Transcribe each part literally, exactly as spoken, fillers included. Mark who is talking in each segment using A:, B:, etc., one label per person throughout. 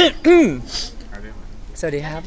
A: สวัสดีครับ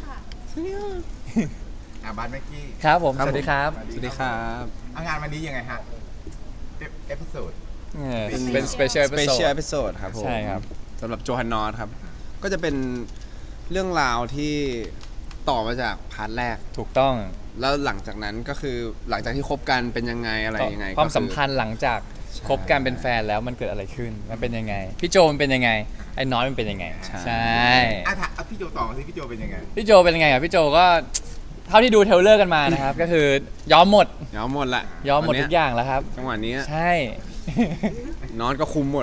B: อาบานเมื่อกี้
A: ครับผมสวัสดีครับ
C: สวัสดีครับ
B: เอางานวันนี้ยังไงฮะเอพิโซด
A: เป็น special
C: Special
A: episode
C: episode ครับผม
A: ใช่ครับ
C: สำหรับโจฮันนอตครับก็จะเป็นเรื่องราวที่ต่อมาจากพาร์ทแรก
A: ถูกต้อง
C: แล้วหลังจากนั้นก็คือหลังจากที่คบกันเป็นยังไงอะไรยังไง
A: ความสัมพันธ์หลังจากคบกันเป็นแฟนแล้วมันเกิดอะไรขึ้นมันเป็นยังไงพี่โจมันเป็นยังไงไอ้น้อยมันเป็นยังไงใช่
B: อ่ะถามพี่โจต่อมาสิพี่โจเป็นยังไง
A: พี่โจเป็นยังไงอ่ะพี่โจก็เท่าที่ดูเทรลเลอร์กันมานะครับก็คือยอมหมด
C: ยอมหมดละ
A: ยอมหมดทุกอย่างแล้วครับ
C: จังหวะนี้
A: ใช่
C: นอนก็คุมหมด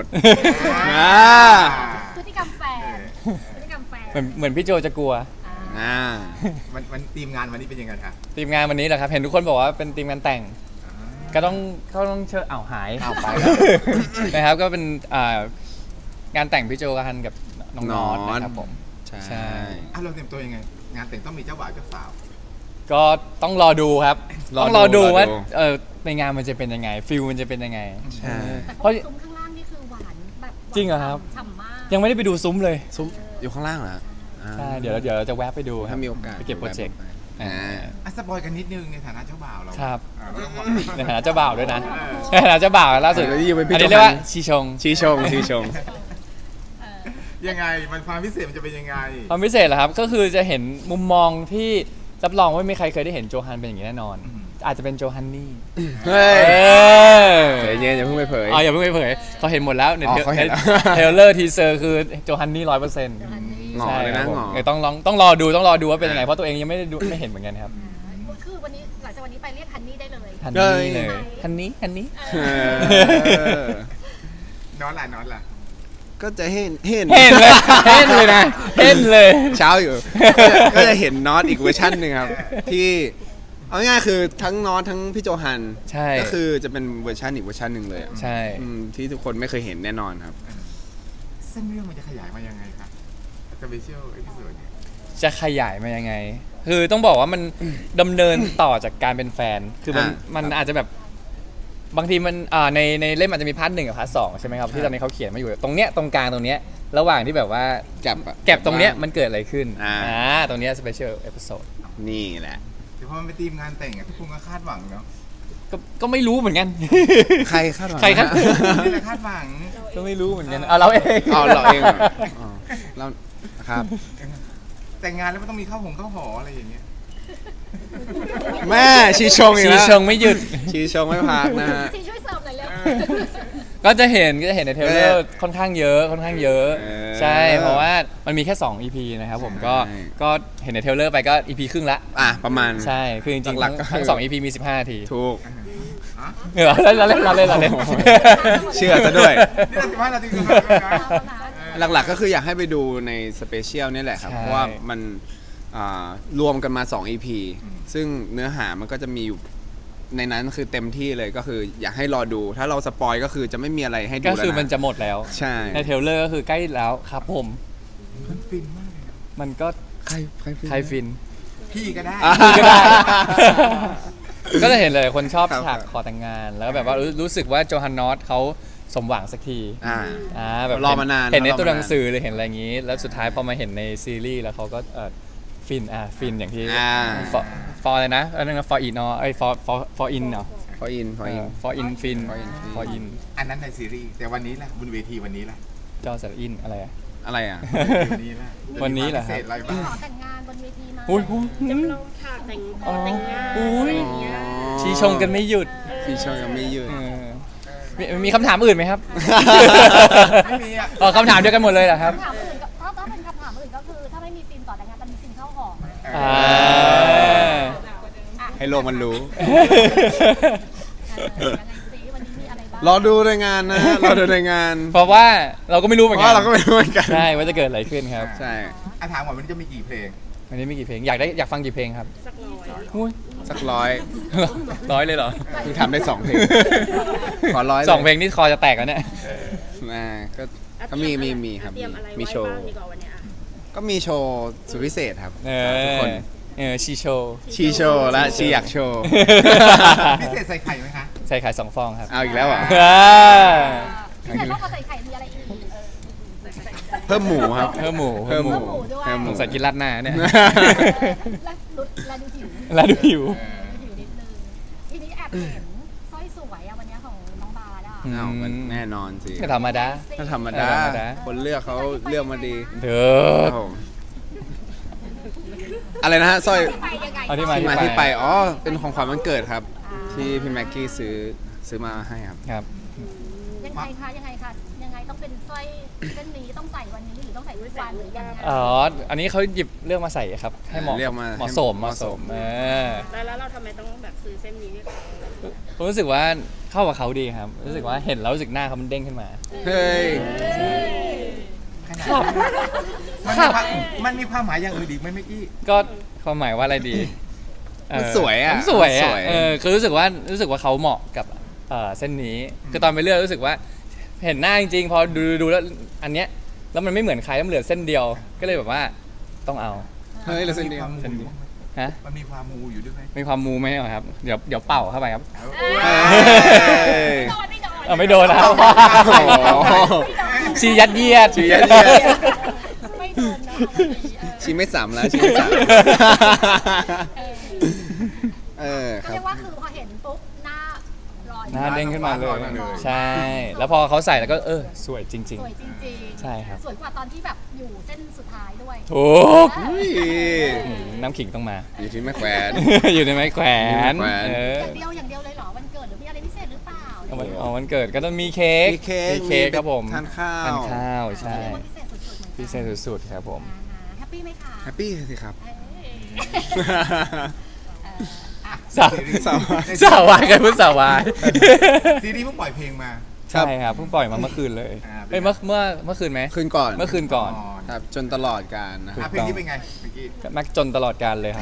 D: พฤติกรรมแฟนพฤติกรรมแฟน
A: เหมือนเหมือนพี่โจจะกลัว
C: อ่า
B: มันมันทีมงานวันนี้เป็นยังไงครับ
A: ทีมงานวันนี้แหละครับเห็นทุกคนบอกว่าเป็นทีมงานแต่งก็ต้องเขาต้องเชิญอ้าวหาย
B: อ้าวไป
A: นะครับก็เป็นงานแต่งพี่โจกันกับน้องนอตนะครับผม
C: ใช่
B: อ่ะเราเตรียมตัวยังไงงานแต่งต้องมีเจ้าบ่าวเจ้าสาว
A: ก็ต้องรอดูครับต้องรอดูว่าเออในงานมันจะเป็นยังไงฟิลมันจะเป็นยังไง
C: ใช่
D: เพราะซุ้มข้างล่างนี่คือหวานแบบ
A: จริงเหรอครับ
D: ฉ่ำมาก
A: ยังไม่ได้ไปดูซุ้มเลย
C: ซุ้มอยู่ข้างล่างเหรอ
A: ใช่เดี๋ยวเดี๋ยวเราจะแวะไปดู
C: ถ้ามีโอกาส
A: ไปเก็บโปรเจกต์
B: อ่ะสปอยกันนิดนึงในฐานะเจ้าบ่าวเรา
A: ครับในฐานะเจ้าบ่าวด้วยนะในฐานะเจ้าบ่าวล่าสุดอันนี้เรียกว่าชีชง
C: ชีชงชีชง
B: ยังไงมันความพิเศษมันจะเป็นยังไง
A: ความพิเศษเหรอครับก็คือจะเห็นมุมมองที่รับรองว่าไม่มีใครเคยได้เห็นโจฮันเป็นอย่างนี้แน่นอนอาจจะเป็นโจฮันนี่
C: เฮ้ยใจเย็นอย่าเพิ่งไปเผย
A: อ๋ออย่าเพิ่งไปเผยเขาเห็นหมดแล้วในเทรลเลอร์ทีเซอร์คือโจฮันนี่ร้อยเปอร์เซ็นต์
C: งอเลยนะงอ
A: ต้องลองต้องรอดูต้องรอดูว่าเป็นยังไงเพราะตัวเองยังไม่ได้ดูไม่เห็นเหมือนกันครับ
D: คือวันนี้หลังจากวันนี้ไปเรียกฮันนี่ได้เลย
A: ฮันนี่เลยฮันนี่ฮันนี่
B: นอนล่ะนอนล่ะ
C: ก็จะเห็นเห็น
A: เห็นเลยเห็นเลยนะเห็นเลย
C: เช้าอยู่ก็จะเห็นน็อตอีกเวอร์ชันหนึ่งครับที่เอาง่ายๆคือทั้งน็อตทั้งพี่โจฮันก็คือจะเป็นเวอร์ชันอีกเวอร์ชันหนึ่งเลย
A: ใช่
C: ที่ทุกคนไม่เคยเห็นแน่นอนครับ
B: เส้นเรื่องมันจะขยายมายังไงครับสเปเชียลเอพิโซด
A: จะขยายมายังไงคือต้องบอกว่ามันดำเนินต่อจากการเป็นแฟนคือมันมันอาจจะแบบบางทีมันในในเล่มอาจจะมีพาร์ทหนึ่งกับพาร์ทสองใช่ไหมครับที่ตอนนี้เขาเขียนมาอยู่ตรงเนี้ยตรงกลางตรงเนี้ยระหว่างที่แบบว่า
C: แก็บ
A: แก็บตรงเนี้ยมันเกิดอะไรขึ้นอ่าตรงเนี้ยสเปเชียลเอพิโซด
C: นี่แหละ
B: แต่พอมันเป็นทีมงานแต่งทุกคนก็คาดหวังเนาะ
A: ก็ก็ไม่รู้เหมือนกัน
C: ใครคาดหวัง
A: ใครคาด
B: นี่แหละคาดหวัง
A: ก็ไม่รู้เหมือนกันเอาเราเอง
C: เอาเราเองเราครับ
B: แต่งงานแล้วมันต้องมีข้าวหงข้าวหออะไรอย่างเงี้ย
C: แม่ชีชงอีกแล้ว
A: ชีชงไม่หยุด
C: ชีชงไม่พักนะฮะ
D: ชีช่วยเสิร์ฟหน่อยเร็ว
A: ก็จะเห็นก็จะเห็นในเทรลเลอร์ค่อนข้างเยอะค่อนข้างเยอะใช่เพราะว่ามันมีแค่สอง อี พี นะครับผมก็ก็เห็นในเทรลเลอร์ไปก็ อี พี ครึ่งละ
C: อ่ะประมาณ
A: ใช่คือจริงๆทั้งสอง อี พี มีสิบห้านาที
C: ถูก
A: เออเราเล่นเราเล่นเราเล่น
C: เชื่อซะด้วย
B: นี่สิบห้านาที
C: หลักๆก็คืออยากให้ไปดูในสเปเชียลนี่แหละครับเพราะว่ามันรวมกันมาสอง อี พี ซึ่งเนื้อหามันก็จะมีอยู่ในนั้นคือเต็มที่เลยก็คืออยากให้รอดูถ้าเราสปอยก็คือจะไม่มีอะไรให้ดูแล้ว
A: ก็คือมันจะหมดแล้ว
C: ใช่
A: ในเทรลเลอร์ก็คือใกล้แล้วครับผม
B: มันฟินมากเลย
A: มันก็
C: ใครใครฟิน
A: ใครฟิน
B: พี่ก็ได้
A: พี่ก็ได้ก็จะเห็นเลยคนชอบฉากขอแต่งงานแล้วแบบว่ารู้สึกว่าโจฮันนอตเขาสมหวังสักที
C: อ่า
A: อ่าแบบ
C: รอมานาน
A: เห็นในตัวหนังสือหรือเห็นอะไรอย่างนี้แล้วสุดท้ายพอมาเห็นในซีรีส์แล้วเขาก็เออฟินอ่ะฟินอย่างที่ for for อะไรนะอันนั้น for in เนาะไอ้ for for for in เนาะ
C: for in for in
A: for in ฟิน for in
B: อันนั้นในซีรีส์แต่วันนี้ล่ะบนเวทีวันนี้ล่ะ
A: จอสระอินอะไรอะ
C: อะไรอ่ะ
B: วันนี้ล่ะ
A: วันนี้แหละครับ
D: ขอแต่งงานบนเวทีมา
A: อุ้ย
D: จำลองฉากแต่งแต่งงานอะไรอย่างเงี้ย
A: ชีชงกันไม่หยุด
C: ชีชงกันไม่หยุด
A: มีคำถามอื่นไหมครับ
B: ไม่มีอ่ะ
A: อ๋อคำถามเดียวกันหมดเลยเหรอครับ
D: คำถามอื่นก็ถ้าเป็นคำถามอื่นก็คือถ้าไม่มีซีนต่อแต่งงานจะมีซีนเข้าหอไหม
C: ให้โลกมันรู้
D: ร
C: อดูในงานนะรอดูในงาน
A: เพราะว่าเราก็ไม่รู้เหมือนกัน
C: เราก็ไม่รู้เหมือนกัน
A: ใช่ว่าจะเกิดอะไรขึ้นครับ
C: ใช่
B: ถามว่าวันนี้จะมีกี่เพลง
A: วันนี้มีกี่เพลงอยากได้อยากฟังกี่เพลงครับ
D: สักร้
C: อยสักร้อย
A: ร้อยเลยเหรอ
C: คือทำได้สองเพลงขอร้อย
A: สองเพลงนี่คอจะแตกแล้วเนี่ย
C: ก็ก็มีมีมีครับมีโชว์ก็มีโชว์สุดพิเศษครับทุกคน
A: เออชีโชว์
C: ชีโชว์และชีอยากโชว์
B: พิเศษใส่ไข่ไหมคะ
A: ใส่ไข่สองฟองครับ
C: เอาอีกแล้วอ่ะ
D: พิเศษเพราะเขาใส่ไข่มีอะไรอีก
C: เพิ่มหมูครับ
A: เพิ่มหมู
C: เพิ่มหมู
D: เพิ่มหมูด้วย
C: เพิ่มห
A: ส
C: มู
A: งสัยกินราดหน้าเนี่ย
D: เออแล้วลุดแล้วดูหิว
A: แล้วดูหิว
D: ดูหิวนิดนึงทีนี้แอบเห็นสร้อยสวยอะวันนี้ของน้องบาร์ดอะ
A: อืม
C: อ้าวมันแน่นอนสิ
A: ไม่ธรรมดา
C: ถ้าธรรมดา
A: ธรรมดา
C: คนเลือกเขาเลือกมาดี
A: เด้อ
C: ครับผมอะไรนะฮะสร้อย
D: ไปยังไง
A: เอาที่มา
C: ที่มาที่ไปอ๋อเป็นของขวัญวันเกิดครับ ที่พี่แม็กกี้ซื้อซื้อมาให้ครับ
A: ครับ
D: ยังไงคะยังไงคะยังไงต้องเป็นสร้อยเส้นนี้ต้องใส่วันนี้หรือต้องใส่ทุกวันหรือยังไง
A: อ๋อ อันนี้เขาหยิบเลือกมาใส่ครับ ให้เหมาะ
C: เลือกมา
A: เหมาะสม
C: ให้
A: เห
C: เห
A: มาะ
C: มาะ
A: ส
C: ส
A: ม
C: ม
A: เออ
E: แล้วแล้วเราทำไมต้องแบบซื้อเส้นนี้ให้เขา
A: ผมรู้สึกว่าเข้ากับเขาดีครับ รู้สึกว่าเห็นแล้วรู้สึกหน้าเขามันเด้งขึ้นมา
C: เฮ้ย
B: ขนาดนั้นมันมีความมันมีความหมายอย่างอื่นอีกไหมเมื่อกี้
A: ก็ความหมายว่าอะไรดีเ
C: มันสวยอะ
A: มันสวย
C: มันส
A: อ่ะ
C: วย
A: เออคือรู้สึกว่ารู้สึกว่าเขาเหมาะกับเอ่อเส้นนี้ คือตอนไปเลือกรู้สึกว่า เห็นหน้าจริงๆ พอดูดูแล้วอันเนี้ยแล้วมันไม่เหมือนใครแล้วมันเหลือเส้นเดียว ก็เลยแบบว่าต้องเอา
C: เฮ้ยเหลือเส้นเดียว
B: มันมีความมู
A: ฮะ
B: มันมีความมูอยู่ด้วยไหม
A: มีความมูไหมอะครับ เดี๋ยวเดี๋ยวเป่าเข้าไปครับ
B: เอา
C: เฮ้ย
D: ไม่โดนไม่โดน
A: เออไม่โดนนะ
C: โอ้โห
A: ชียัดเยียด
C: ชียัดเยียด
D: ไม่โดนนะ
C: ชีไม่สามแล้วชีไม่สาม
D: เออ
C: เออค
D: เรี
C: รับ
D: ยกว่าคือพอเห็นปุ๊บหน้าลอย
A: หน้าเด้งขึ้นมาเลย
B: หน้าลอย
A: ใช่ แล้วพอเขาใส่แล้วก็เออสวยจริง
D: สวยจริงๆ
A: ใช่ครับ
D: สวยกว่าตอนที่แบบอยู่เส้นสุดท้ายด้วย
A: ๆถูก
C: เฮ้ย
A: อืมน้ำขิงต้องมา
C: อยู่ที่แม่แขวน
A: อยู่ในไม้แขวน
C: อยู่ในไม้แขวน
A: เออ
D: อย่างเดียวอย่างเดียวเลยเหรอวันเกิดหรือมีอะไรพิเศษหรือเปล่า
A: เอาวันเอาวันเกิดก็ต้องมีเค้ก
C: มีเค้ก
A: มีเค้กครับผม
C: ทานข้าว
A: ทานข้าวใช่
D: เรียกว่าพิเศษสุดๆเหมือนกัน
A: พิเศษสุดๆครับผม
D: อ่าฮะแฮปปี้ไหมคะ
C: แฮปปี้สิครับ
D: เอ้ยเอออ่ะ
A: สาว
C: สาว
A: สาววายกันพูดสาววาย
B: ซีรีส์เพิ่งปล่อยเพลงมา
A: ใช่ครับเพิ่งปล่อยมาเมื่อคืนเลย
B: อ่า
A: เอ้ยเมื่อเมื่อเมื่อคืนไหม
C: คืนก่อน
A: เมื่อคืนก่อน
C: ครับจนตลอดการนะค
B: อ่ะ
C: รับ
B: เพลงนี้เป็นไงเมื่อกี้
A: แม็กจนตลอดการเลยครับ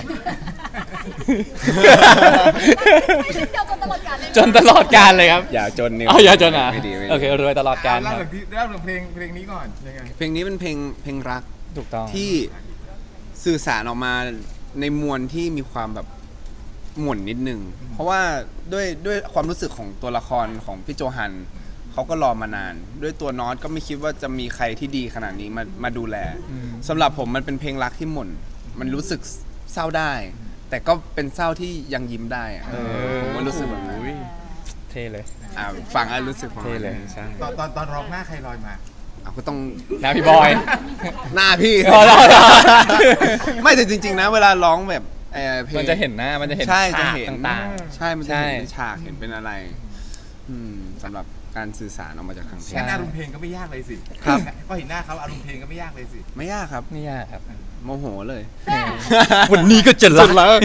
D: ไม่ใช่เดียวจนตลอดกาลเลยะ
A: จนตลอดการเลยครับ
C: อย่าจนนิว
A: อ๋ออย่าจนอ่ะ
C: ไม่ดีไม่ดี
A: โอเครวยตลอดการ
B: เล่า
A: ครั
B: เรื่
A: บ
B: องที่เล่าเรื่องเพลงเพลงนี้ก่อนยังไง
C: เพลงนี้เป็นเพลงเพลงรัก
A: ถูกต้อง
C: ที่สื่อสารออกมาในมวลที่มีความแบบหม่นนิดนึง เพราะว่าด้วยด้วยความรู้สึกของตัวละครของพี่โจฮันเขาก็รอมานาน ด้วยตัวนอตก็ไม่คิดว่าจะมีใครที่ดีขนาดนี้มามาดูแลสำหรับผมมันเป็นเพลงรักที่หม่นมันรู้สึกเศร้าได้ แต่ก็เป็นเศร้าที่ยังยิ้มได้อะเออผมก็รู้สึกแบบนั้น
A: อุ้ยเท่เลย
C: อ่าฟังแล้วรู้สึกประมาณ
A: เท่เลย
C: นั้นใช่
B: ตอนตอนตอนร้องหน้าใครลอยมา
C: อ่ะก็ต้อง
A: นะพี่บอย
C: หน้าพี่
A: อ๋อเหรอเหรอ
C: ไม่แต่จริง ๆ นะ เวลาร้องแบบเอ่อเพลง
A: มันจะเห็นหน้ามันจะเห็น
C: ใช่จะ
A: ฉาก
C: เห็น
A: ต่าง
C: ใช่มันจะ
A: ใช่
C: เห็นเป็นฉากเห็นเป็นอะไร อืมสำหรับการสื่อสารออกมาจากทางเพล
A: ใช่
C: ง
B: งั้นอารมณ์เพลงก็ไม่ยากเลยสิ
C: ครับ
B: ก็เห็นหน้าเขาอารมณ์เพลงก็ไม่ยากเลยสิ
C: ไม่ยากครับ
A: ๆไม่ยากครับ
C: โมโหเลย
A: วันนี้ก็จะรั
C: สุดแล้ว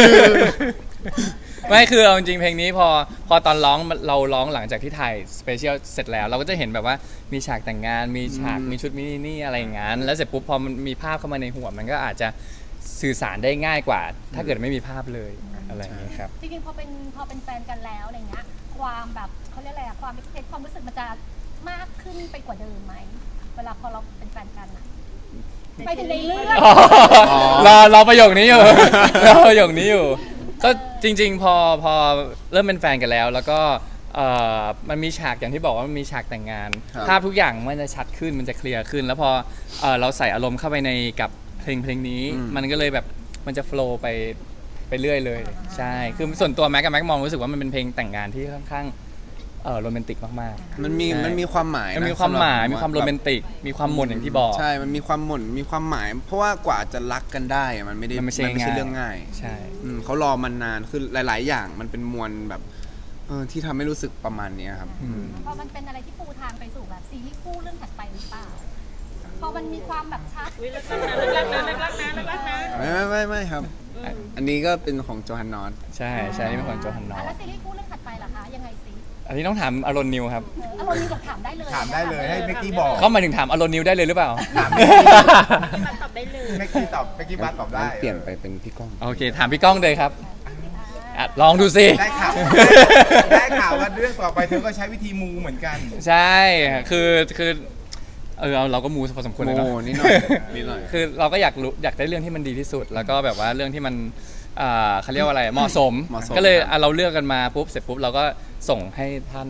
A: ไม่คือเอาจริงๆเพลงนี้พอพอตอนร้องเราร้องหลังจากที่ถ่ายสเปเชียลเสร็จแล้ว เราก็จะเห็นแบบว่ามีฉากแต่งงาน มีฉาก
C: อืม
A: มีชุดมินินี่อะไรอย่างงั้นแล้วเสร็จปุ๊บพอมันมีภาพเข้ามาในหัวมันก็อาจจะสื่อสารได้ง่ายกว่า ถ้าเกิดไม่มีภาพเลยอะไรอย่างนี้ครับ
D: จริงๆพอเป็นพอเป็นแฟนกันแล้วอะไรเงี้ยความแบบเขาเรียกอะไรอะความเอ็กความรู้สึกมันจะมากขึ้นไปกว่าเดิมไหมเวลาพอเราเป็นแฟนกันอะไปถึงในเรื่อง
A: รอรอประโยคนี้อยู่ รอประโยคนี้อยู่ ก็จริงๆ พอพอเริ่มเป็นแฟนกันแล้ว แล้วก็เอ่อมันมีฉากอย่างที่บอกว่ามันมีฉากแต่งงาน
C: ครับ
A: ภาพทุกอย่างมันจะชัดขึ้นมันจะเคลียร์ขึ้น แล้วพอเอ่อเราใส่อารมณ์เข้าไปในกับเพลงเพลงนี้ มันก็เลยแบบมันจะโฟล์ไปไปเรื่อยเลย ใช่คือส่วนตัวแม็กกับแม็กมองรู้สึกว่ามันเป็นเพลงแต่งงานที่ค่อนข้างเอ่อโรแมนติกมากๆ
C: มันมี
A: ใช่
C: มันมีความหมาย
A: มัน
C: นะ
A: มีความหมาย
C: สำบ
A: มีความโรแมนติก มีความหม่นอย่างที่บอก
C: ใช่ มันมีความหม่นมีความหมาย เพราะว่ากว่าจะรักกันได้อะมันไม่ได้
A: มันไม่ใช่ง่าย
C: เรื่องง่าย
A: ใช่
C: อืมเขารอมันนานคือหลาย ๆ อย่างมันเป็นมวลแบบเออที่ทำให้รู้สึกประมาณเนี้ยครับ
A: อืม
D: พอมันเป็นอะไรที่ปูทางไปสู่แบบซีรีส์คู่เรื่องถัดไปหรือเปล่าพอมันมีความแบบชัด
E: วิเลิกรักนะเลิกรักนะเลิกรักนะเลิกรักนะ
C: ไม่ไม่ไม่ไม่ครับ อันนี้ก็เป็นของโจฮันนอต
A: ใช่ใช่นี่เป็นคนโจฮันนอ
D: อ่ะ
A: ร์
D: แล้วซีรีส์คู่เรื่องถัดไปล่ะคะยังไงซิ
A: อันนี้ต้องถามอารอนนิวครับ
D: เอออารมณ์นี้บอกถามได้เลย
B: ถามได้เลยให้เมกกี้บอก
A: เขาหมายถึงถามอารอนนิวได้เลยหรือเปล่า
B: ถาม
E: มันตอบได้เลย
B: เมกกี้ตอบเมกกี้บัสตอบได้
C: งั้นเปลี่ยนไปเป็นพี่ก้อง
A: โอเค ถามพี่ก้องเลยครับอ่ะลองดูสิ
B: ได้ข่าวได้ข่าวว่าเรื่องต่อไปเธอก็ใช้วิธีมูเหมือนกัน
A: ใช่คือคือเออเราก็มูพอสมควรเลยเนาะ
C: โอ้นิดหน่อยนิดหน่อย
A: คือเราก็อยากรู้อยากได้เรื่องที่มันดีที่สุด แล้วก็แบบว่าเรื่องที่มันอ่าเขาเรียกว่าอะไรเหมาะสม
C: เหมาะสม
A: ก็เลย
C: ครับ
A: อ่ะเราเลือกกันมาปุ๊บเสร็จปุ๊บเราก็ส่งให้ท่าน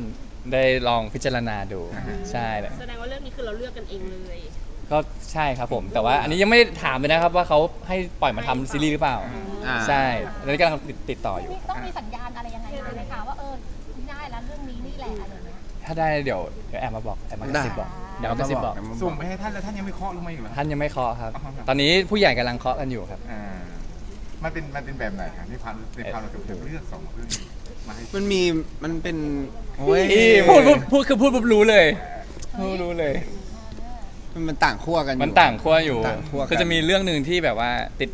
A: ได้ลองพิจารณาดูใช่เลย
E: แสดงว่าเรื่องนี้คือเราเลือกกันเองเลย
A: ก็ใช่ครับผม แต่ว่าอันนี้ยังไม่ได้ถามเลยนะครับว่าเขาให้ปล่อยมาทำซีรีส์หรือเปล่า
C: อ่า
A: ใช่ตอนนี้กำลังติดติดต่ออยู่
D: นี่ต้องมีสัญญาณอะไรยังไงไหมคะว่าเออได้แล้วเรื่องนี้นี่แหละอะไรเงี้ย
A: ถ้าได้เดี๋ยวเดี๋ยวแอบมาบอกแอบมากระซิบบอกเดี๋ยวมากระซิบบอก
B: ส่งไปให้ท่านแล้วท่านยังไม่เคาะลงมาอีกเหรอ
A: ท่านยังไม่เคาะครับ
B: อ๋อครับ
A: ตอนนี้ผู้ใหญ่กำลังเคาะกันอยู่ครับ
B: อ่ามันเป็นมันเป็นแบบไหนครับในความในความเราจะเลือกสองเรื่องมาให้
C: มันมีมันเป็นโอ้ย
A: พูดพูดพูดคือพูดปุ๊บรู้เลยพูดรู้เลย
C: มันมันต่างขั้วกันอยู่
A: มันต่างขั้วอยู่
C: ต่างขั้วกัน
A: คือจะมีเรื่องหนึ่งที่แบบว่าติด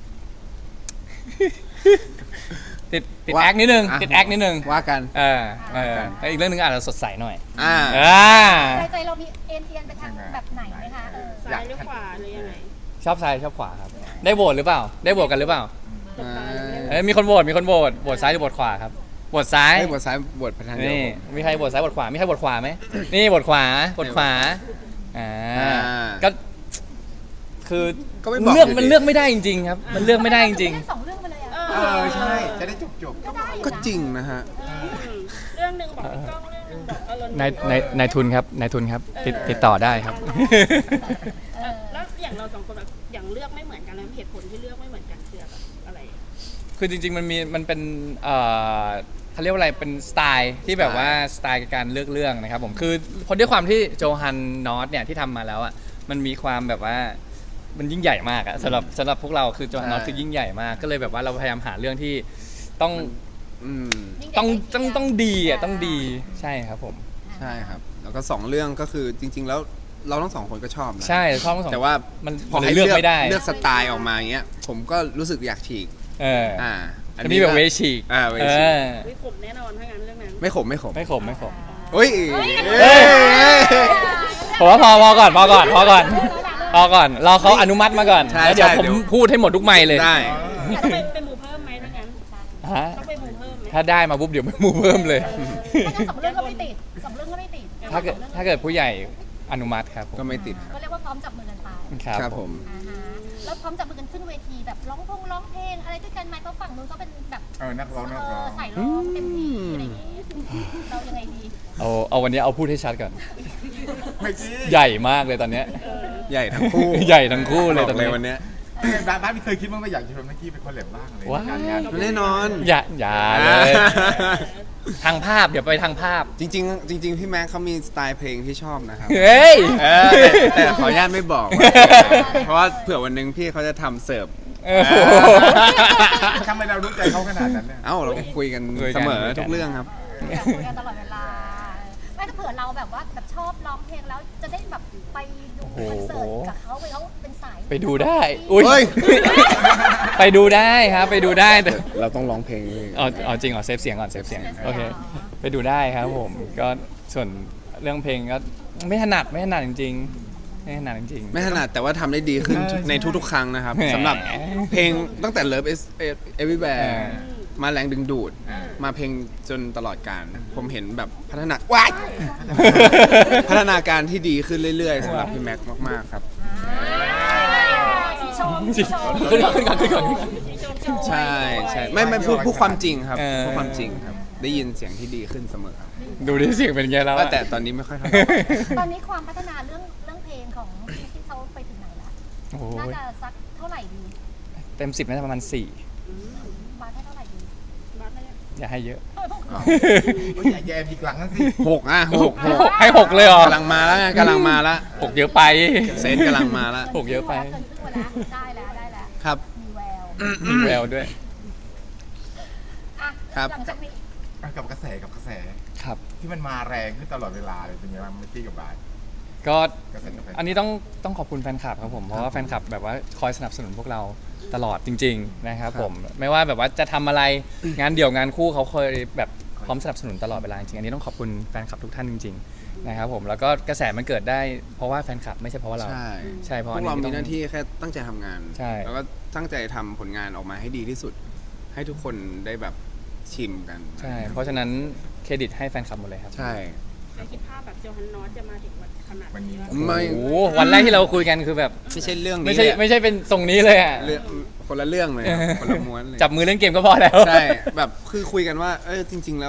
A: ติดติด
C: ว่า
A: แอคนิดนึง
C: อ่ะ
A: ติดแอคนิดนึง
C: ว่ากัน
A: เออเออแล้วอีกเรื่องหนึงอาจจะสดใสหน่อย
C: อ่า
A: อ่า
D: ใจใจเรามีเอ็นเอียงไปทางแบบไหนไหมคะเออ
E: ซ้ายหรือขวาหรือยังไง
A: ชอบซ้ายชอบขวาครับ ได้โหวตหรือเปล่า ได้โหวตกันหรือเปล่า
C: อ่า
A: เอ้ยมีคนโหวตมีคนโหวตโหวตซ้ายหรือโหวตขวาครับโหวตซ้าย
C: ให้บทซ้ายบทไปทางเดียว
A: นี่
C: ผม
A: มีใครโหวตซ้ายโหวตขวามีใครโหวตขวาไหมนี่โหวตขวาโหวตขวาอ่า
C: อ่า
A: ก็คือ
C: ก็ไม่บอก
A: เลือก
C: อยู่ดี
A: มันเลือกไม่ได้จริงๆครับ มันเลือกไม่ได้จริง
D: เล่นสองเรื่องไปเลยอ่ะ
B: เออใช่จะได้จบจบ
D: ก็ได้อยู่นะ
C: ก็จริงนะฮะ
E: เรื่องหนึ่งบอกพี่ก้องเรื่องหนึ่งบอกอารมณ์
A: ๆนายนายนายทุนครับนายทุนครับติดติดต่อได้ครับ
D: เออ
E: แล้วอย่างเราสองคนแบบอย่างเลือกไม่เหมือนกันแล้วเหตุผลที่เลือกไม่เหมือนกันคือแบบอะไร
A: คือจริงๆมันมีมันเป็นเอ่อเขาเรียกว่าอะไรเป็นสไตล์ที่แบบว่าสไตล์การเลือกเรื่องนะครับผมคือพอด้วยความที่โจฮันนอตเนี่ยที่ทำมาแล้วอ่ะมันมีความแบบว่ามันยิ่งใหญ่มากอะสำหรับสำหรับพวกเราคือโจฮันนอต
C: ใช่
A: คือยิ่งใหญ่มากก็เลยแบบว่าเราพยายามหาเรื่องที่ต้อง
C: อืม
A: ต้องต้องต้องดีอ่ะต้องดีใช่ครับผม
C: ใช่ครับ แล้วก็สองเรื่องก็คือจริง ๆ แล้วเราทั้งสองคนก็ชอบนะ
A: ใช่ชอบทั้งสอง
C: แต่ว่า
A: มัน
C: พอ
A: มัน
C: ให้
A: เลื
C: เลื
A: อ
C: อก ก
A: ไม่ได้
C: เลือกสไตล์ออกมาอย่างเงี้ย ผมก็รู้สึกอยากฉีก
A: เออ
C: อ่า
A: จะมีแบบเวชีก
C: อ่าเว
A: เอ
C: ชี
A: อ
E: ไม่ขมแน่นอนถ้างั้นเรื่องนั้น
C: ไม่ขมไม่ขม
A: ไม่ขมไม่ขม
C: เฮ้ย
A: เฮ้ย ผมว่าพอพอก่อนพอก่อนพอก่อนพอก่อนรอเขาอนุมัติมาก่อน
C: ใช่
A: แล้วเดี๋ยว
C: ใช่
A: ผม
C: เดี๋ยว
A: พูดให้หมดทุกไมค์เลย
C: ได้
E: ต้องไปไปหมูเพิ่มไหมถ้างั้น
A: ฮะ
E: ต้องไปหมูเพิ่มไหม
A: ถ้าได้มาปุ๊บเดี๋ยวไม่มูเพิ่มเลย
D: ถ้างั้นสองเรื่องก็ไม่ติดสองเรื่องก็ไม่ติด
A: ถ้าเกิดถ้าเกิดผู้ใหญ่อนุมัติครับผม
C: ก็ไม่ติดครับ
D: ก็เรียกว่าพร้อมจับมือกันไป
A: ครับ
C: ครับ
A: ผ
C: ผม ม
D: อ่าฮะแล้วพร้อมจับมือกันขึ้นเวทีแบบร้องพงร้องเพลงอะไรด้วยกันไหมเพราะฝั่งนู้นก็เป็นแบบ
B: เออนักร้องนัก
D: เอ
B: ร้อ
D: อง ใส่ร้องเต็มที่อะไรอย่างงี้เรายังไงดี
A: เอาเอาวันนี้เอาพูดให้ชัดก่อน
B: ไม่จริง
A: ใหญ่มากเลยตอนเนี้ย
C: ใหญ่ทั้งคู่
A: ใหญ่ทั้งคู่เลย
C: บ
A: ต
C: อ
A: อน
C: กเลย
A: นี้
C: วันเนี้ย
B: บ้านบ้านไม่เคยคิดว่าไม่อยากจะชวนนักกี้เป็นคนแหลมบ้างเลย
A: ว้าย
B: การงาน
C: แน่นอน
A: อย่าอย่าเลย ทางภาพเดี๋ยวไปทางภาพ
C: จริงๆ จริง ๆ พี่แม็กเขามีสไตล์เพลงที่ชอบนะครับ
A: เฮ้ย
C: เออแต่แต่ขออนุญาตไม่บอกว่าเพราะว่าเผื่อวันหนึงพี่เขาจะทำเสิร์ฟ
A: เออ
B: ทำไมเรารู้ใจเขาขนาดนั้นเนี่ย
C: เอ้าเราคุยกัน
A: คุยกัน
C: เสมอ
A: คุยกัน
C: ทุกเรื่องครับ
D: คุยกันตลอดเวลาไม่ถ้าเผื่อเราแบบว่าแบบชอบร้องเพลงแล้วจะได้แบบไปดูคอนเสิร์ตกับเขาไปเขาเป็นสาย
A: ไปดูได้ อุ้ย
C: เฮ้ย
A: ไปดูได้ครับ ไปดูได้แต่
C: เราต้องร้องเพลงด้วย
A: อ๋ออ๋อจริงเหรอเซฟเสียงก่อนเซฟเสียงโอเคไปดูได้ครับผมก็ส่วนเรื่องเพลงก็ไม่ถนัดไม่ถนัดจริงๆไม่ถนัดจริงๆ
C: ไม่ถนัดแต่ว่าทำได้ดีขึ้น
A: ใช่
C: ในทุกๆ ครั้งนะครับ
A: แหม
C: สำหรับเพลงตั้งแต่ Love is Everywhere
A: เออ
C: มาแรงดึงดูด มาเพลงจนตลอดการ ผมเห็นแบบพัฒนาว้าย พัฒนาการที่ดีขึ้นเรื่อยๆสำหรับพี่แม็กซ์มาก ๆ ครับ
D: ชีชมชีชม
A: ขึ้นก่อนขึ้นก่อนขึ้นก่อนขึ้นก่อน
C: ใช่ใช่ไม่ไม่พูดพูดความจริงครับ
A: เออ
C: พูดความจริงครับ ได้ยินเสียงที่ดีขึ้นเสมอครับ
A: ดูดิเสียงเป็นไงแล้ว
C: ก็
A: อะ
C: แต่ตอนนี้ไม่ค่อยเท่าไหร่
D: ตอนนี้ความพัฒนาเรื่องเรื่องเพลงของที่เขาไปถึงไหนละ
A: โอ้โห
D: น่าจะสักเท่าไหร่ดี
A: เต็มสิบน่าจะประมาณสี่
D: บาทให้เท่าไหร่ดี
E: บ้านได้ยัง
A: อย่าให้เยอะ
B: โอ้ยอย่าแย่อีกหลังนั่นสิ
C: หกอ่ะหกหก
A: ให้หกเลยเหรอก
C: ำลังมาแล้วไงกำลังมาแล้ว
A: หกเยอะไป
C: เซนกำลังมาแล้ว
A: หกเยอะไป
D: เกินครึ่งแล้วได้แล้วได้แล้ว
C: ครับ
D: มีแวว
A: มีแววด้วย
D: อ่ะ
C: ครับ
D: หลังจากนี้
B: กับกระแสกับกระแส
A: ครับ
B: ที่มันมาแรงขึ้นตลอดเวลาเลยเป็นไงบ้างเมื่อกี้กับบาย
A: ก็
B: กระแสกาแฟ
A: อันนี้ต้องต้องขอบคุณแฟนคลับครับผมเพราะว่าแฟนคลับแบบว่าคอยสนับสนุนพวกเราตลอดจริง ๆ นะครับผมไม่ว่าแบบว่าจะทำอะไรงานเดี่ยวงานคู่เขาเคยแบบพร้อมสนับสนุนตลอดเวลาจริงๆอันนี้ต้องขอบคุณแฟนคลับทุกท่านจริงๆนะครับผมแล้วก็กระแสมันเกิดได้เพราะว่าแฟนคลับไม่ใช่เพราะว่าเรา
C: ใช่
A: ใช่เพ
C: พ
A: ราะ
C: ว
A: อัน
C: ก
A: นี้
C: เรามี
A: ต้อง
C: หน้าที่แค่ตั้งใจทำงาน
A: ใช่
C: แล้วก็ตั้งใจทำผลงานออกมาให้ดีที่สุด ให้ทุกคนได้แบบชิมกัน
A: ใช่ เพราะฉะนั้นเครดิตให้แฟนคลับหมดเลยครับ
C: ใช่
E: แต่คิดภาพแบบโจฮันนอสจะมาถึงวันขนาด
B: วันนี้
E: นี้
C: ไม่
A: โอ้โหวันแรกที่เราคุยกันคือแบบ
C: ไม่ใช่เรื่องนี้
A: ไม่ใช่
C: เลยอะ
A: ไม่ใช่เป็นทรงนี้เลยอ่ะ
C: เรื่องคนละเรื่องเลยครับคนละม้วนเลย
A: จับมือเล่นเกมก็พอแล้ว
C: ใช่แบบคือคุยกันว่าเออจริง ๆ แล้ว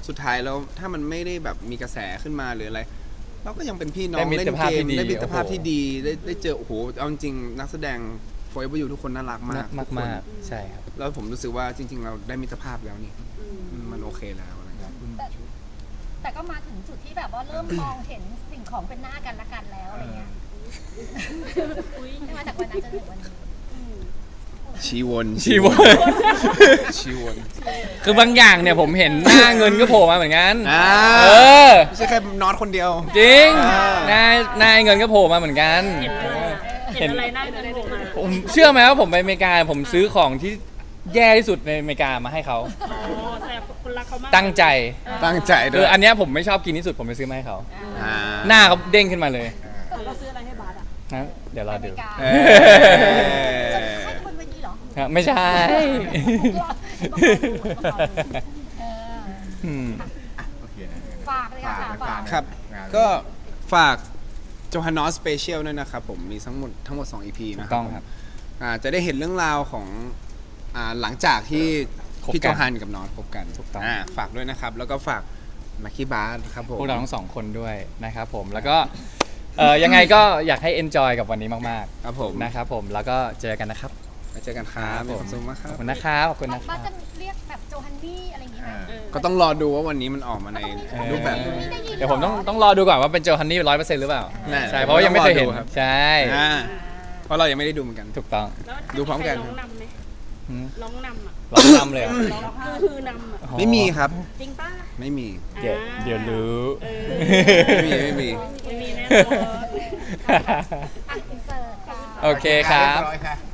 C: สุดท้ายแล้วถ้ามันไม่ได้แบบมีกระแสขึ้นมาหรืออะไรเราก็ยังเป็นพี่น้อ
A: ได้
C: ง
A: มิ
C: เล่
A: ตร
C: น
A: ภาพ
C: เกม
A: ที่ดี
C: ได้มิตรภาพ
A: โอ้โห
C: ที่ดีได้ได้เจอโอ้โหเอาจริงๆนักแสดง Forever You ทุกคนน่ารักมาก
A: มาก
C: ทุคน
A: มากๆใช่ครับ
C: แล้วผมรู้สึกว่าจริง ๆ เราได้มิตรภาพแล้วนี่มันโอเคแล้วอะไรเงี้ย
D: แต่ก็มาถึงจุดที่แบบว่าเริ่มมองเห็นสิ่งของเป็นหน้ากันละกันแล้วอะไรเงี้ยมาจากวันนั้นจนถึงวันนี้
C: ชีวน
A: ชีวน
C: ชีวน
A: คือบางอย่างเนี่ยผมเห็นหน้าเงินก็โผล่มาเหมือนกัน
C: อ่า
A: เออ
C: ไม่ใช่แค่น็อตคนเดียว
A: จริง
C: อ่า
A: หน้าหน้าเงินก็โผล่มาเหมือนกัน
E: เห็นอะไรอะเห็นอะไรหน้าเงินโผล่มา
A: ผมเชื่อไหมว่าผมไปอเมริกาผมซื้อของที่แย่ที่สุดในอเมริกามาให้เขา
E: อ๋อแสดงคนรักเขามาก
A: ตั้งใจ
C: ตั้งใจด้
A: คื
C: ว
A: อย อันเนี้ยผมไม่ชอบกินที่สุดผมไปซื้อมาให้เขา
C: อ่า
A: หน้าเขาเด้งขึ้นมาเลย
E: เราซื้ออะไรให้บาสอ่ะ
A: นะเดี๋ยวรอดู
C: เอ
D: จะ
C: อ
D: ให้คนวันนี้เหรอ
A: ฮะไม่ใช่
D: เออ
A: อืม
B: โอเคนะ
D: ฝากเลยค่ะฝาก
C: ครับ
B: งาน
C: ก็ฝากโจฮันนอสสเปเชียลด้วยนะครับผมมีทั้งหมดทั้งหมดสอง อี พี
A: ถู
C: นะ
A: ก
C: ครั
A: ต้อง
C: ผม
A: ครับ
C: อ่าจะได้เห็นเรื่องราวของอ่าหลังจากที่
A: คบกัน
C: พี่โจฮันกับนอสคบกัน
A: ถูกต้อง
C: าฝากด้วยนะครับ แล้วก็ฝากมาคีบาร์ครับผม
A: พวกเราทั้งสองคนด้วยนะครับผมแล้วก็เอ่อยังไงก็อยากให้ enjoy กับวันนี้มาก
C: ครับผม
A: ๆนะครับผมแล้วก็เจอกันนะครับ
C: มาเจอกันครับมีความสุขมากค
A: ข
C: รั
A: อ
C: บบ
A: คุณนะครับขอบคุณนะค
D: บ้า
A: รับ
D: จะเรียกแบบโจฮันนี่อะไรอย่างงี้ไหม
E: เออ
C: ก็ต้องรอดูว่าวันนี้มันออกมาใน
A: เออ
C: รูปแบบไหน
A: เดี๋ยวผมต้องต้องรอดูก่อนว่าเป็นโจฮันนี่ร้อยเปอร์เซ็นต์หรือเปล่า
C: แน่
A: ใช่เพราะว่ายังไม่เคยเห็น
C: ต้องรอดูครับ
A: ใช่
C: อ่าเพราะเรายังไม่ได้ดูเหมือนกัน
A: ถูกต้อง
E: แล้ว
C: ดูพร้อมกัน
E: ร้องนำไหม
A: หืม
E: ร้องนำอ่ะ
A: ร้องนำเลยเหรอ
E: ร้องคือนำอ่ะ
C: ไม่มีครับ
E: จริงป่ะ
C: ไม่มี
A: เดี๋ยวเดี๋ยวรู้
E: เออ
C: ไม่มีไม่มี
E: ไม่มีแน่นอน
D: อ่ะอินเสิร์ตค่ะ
A: โอเคครับ
B: เยบร้อยค่ะ